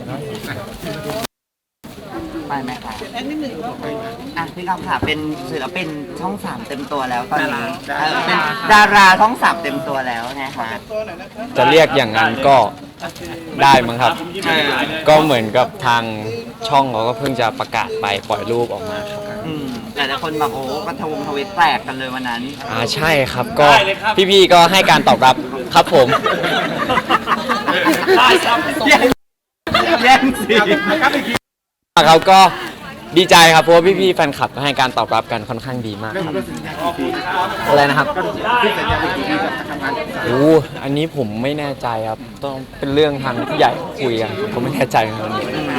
ไปไหมคะพี่กำค่ะเป็นศิลปินช่อง3เต็มตัวแล้วตอนนี้เป็นดาราช่อง3เต็มตัวแล้วนะคะจะเรียกอย่างนั้นก็ได้มั้งครับก็เหมือนกับทางช่องเขาก็เพิ่งจะประกาศไปปล่อยรูปออกมาครับแต่ละคนแบบโอ้กระทวิตแตกกันเลยวันนั้นใช่ครับก็พี่ๆก็ให้การตอบรับครับผมแย่งสิเขาก็ดีใจครับเพราะว่าพี่ๆแฟนคลับก็ให้การตอบรับกันค่อนข้างดีมากครับอะไรนะครับโอ้อันนี้ผมไม่แน่ใจครับต้องเป็นเรื่องทางผู้ใหญ่คุยกันผมไม่แน่ใจเหมือนกัน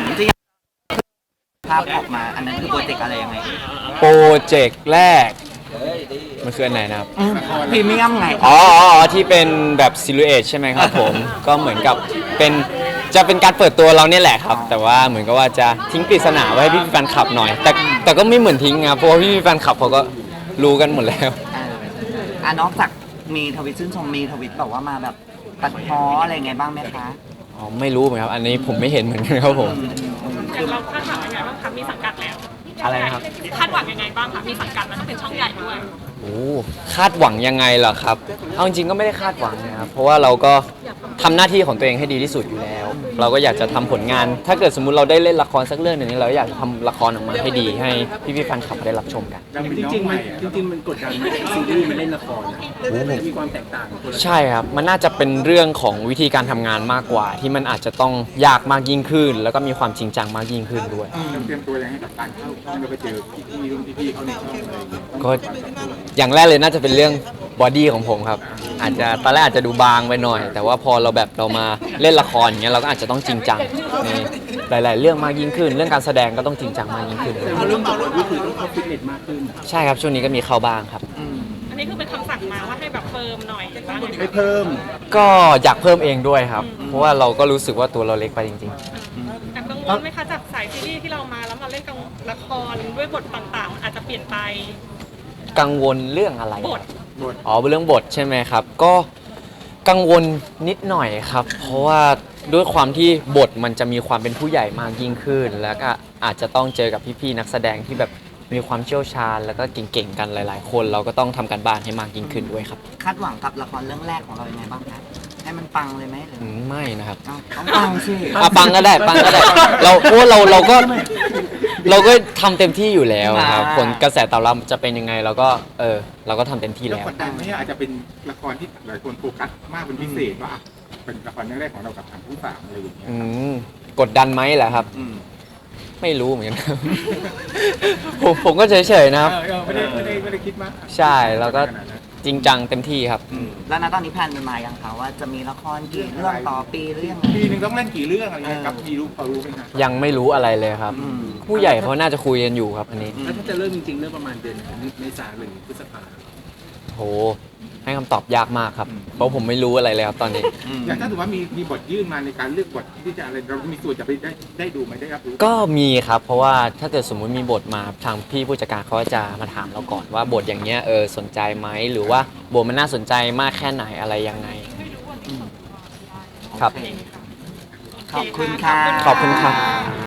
ภาพออกมาอันนั้นคือโปรเจกต์อะไรยังไงโปรเจกต์แรกมันคืออันไหนนะครับพรีเมียมไงที่เป็นแบบซิลูเอทใช่ไหมครับผมก็เหมือนกับจะเป็นการเปิดตัวเราเนี่ยแหละครับแต่ว่าเหมือนกับว่าจะทิ้งปริศนาไว้ให้พี่แฟนคลับหน่อยแต่ก็ไม่เหมือนทิ้งครับเพราะว่าพี่แฟนคลับเขาก็รู้กันหมดแล้วนอกจากมีทวิตชื่นชมมีทวิตบอกว่ามาแบบตัดพ้ออะไรไงบ้างไหมคะไม่รู้เหมือนกันครับอันนี้ผมไม่เห็นเหมือนกันครับผมอย่างเราคาดหวังยังไงบ้างคะมีสังกัดแล้วอะไรนะครับคาดหวังยังไงบ้างคะมีสังกัดแล้วต้องเป็นช่องใหญ่ด้วยคาดหวังยังไงเหรอครับเอาจริงๆก็ไม่ได้คาดหวังนะครับเพราะว่าเราก็ทำหน้าที่ของตัวเองให้ดีที่สุดอยู่แล้วเราก็อยากจะทำผลงานถ้าเกิดสมมุติเราได้เล่นละครสักเรื่องหนึ่งเราอยากจะทำละครออกมาให้ดีให้พี่ๆแฟนคลับได้รับชมกันจริงๆมันกดดันไหมซีรีส์มันเล่นละครมีความแตกต่างใช่ครับมันน่าจะเป็นเรื่องของวิธีการทำงานมากกว่าที่มันอาจจะต้องยากมากยิ่งขึ้นแล้วก็มีความจริงจังมากยิ่งขึ้นด้วยเตรียมตัวยังไงกับการเข้าช่องเราไปเจอพี่ๆเขาในช่องอะไรก็อย่างแรกเลยน่าจะเป็นเรื่องบอดี้ของผมครับอาจจะตอนแรกอาจจะดูบางไปหน่อยแต่ว่าพอเรามาเล่นละครอย่างเงี้ยเราก็อาจจะต้องจริงจังในหลายๆเรื่องมากยิ่งขึ้นเรื่องการแสดงก็ต้องจริงจังมากยิ่งขึ้นเรื่องบทนี่คือต้องเข้าฟิตเนสมากขึ้นใช่ครับช่วงนี้ก็มีเข้าบ้างครับอันนี้คือเป็นคำสั่งมาว่าให้แบบเฟิร์มหน่อยบ้างให้เพิ่มก็อยากเพิ่มเองด้วยครับเพราะว่าเราก็รู้สึกว่าตัวเราเล็กไปจริงๆแต่กังวลไหมคะจากสายซีรีส์ที่เรามาแล้วมาเล่นกับละครด้วยบทต่างๆอาจจะเปลี่ยนไปกังวลเรื่องอะไรบทเรื่องบทใช่ไหมครับก็กังวลนิดหน่อยครับเพราะว่าด้วยความที่บทมันจะมีความเป็นผู้ใหญ่มากยิ่งขึ้นแล้วก็อาจจะต้องเจอกับพี่ๆนักแสดงที่แบบมีความเชี่ยวชาญแล้วก็เก่งๆกันหลายๆคนเราก็ต้องทำการบ้านให้มากยิ่งขึ้นด้วยครับคาดหวังกับละครเรื่องแรกของเรายังไงบ้างคะให้มันปังเลยไหมไม่นะครับต้องปังสิปังก็ได้เพราะเราก็ทำเต็มที่อยู่แล้วครับผลกระแสตอบรับจะเป็นยังไงเราก็ทำเต็มที่แล้วกดดันไหมอาจจะเป็นละครที่หลายคนโฟกัสมากเป็นพิเศษว่าเป็นละครเรื่องแรกของเรากับทางผู้สามอะไรอย่างเงี้ยกดดันไหมแหละครับไม่รู้เหมือนกันผมก็เฉยๆนะครับไม่ได้คิดมากใช่แล้วก็จริงจังเต็มที่ครับแล้วตอนนี้แพลนเป็นมายังคะว่าจะมีละครกี่เรื่องต่อปีหรือยังปีนึงต้องเล่นกี่เรื่องอะไรกับมีรู้พอรู้ไหมครับยังไม่รู้อะไรเลยครับผู้ใหญ่เขาน่าจะคุยกันอยู่ครับอันนี้แล้วถ้าจะเริ่มจริงๆเริ่มประมาณเดือนเมษายนหรือพฤษภาคมโหให้คำตอบยากมากครับเพราะผมไม่รู้อะไรเลยครับตอนนี้อย่างถ้าถือว่ามีบทยื่นมาในการเลือกบทที่จะอะไรเรามีส่วนจะไปได้ดูไหมได้รับรู้ก็มีครับเพราะว่าถ้าเกิดสมมุติมีบทมาทางพี่ผู้จัดการเขาจะมาถามเราก่อนว่าบทอย่างเงี้ยสนใจไหมหรือว่าบทมันน่าสนใจมากแค่ไหนอะไรยังไงครับขอบคุณค่ะขอบคุณครับ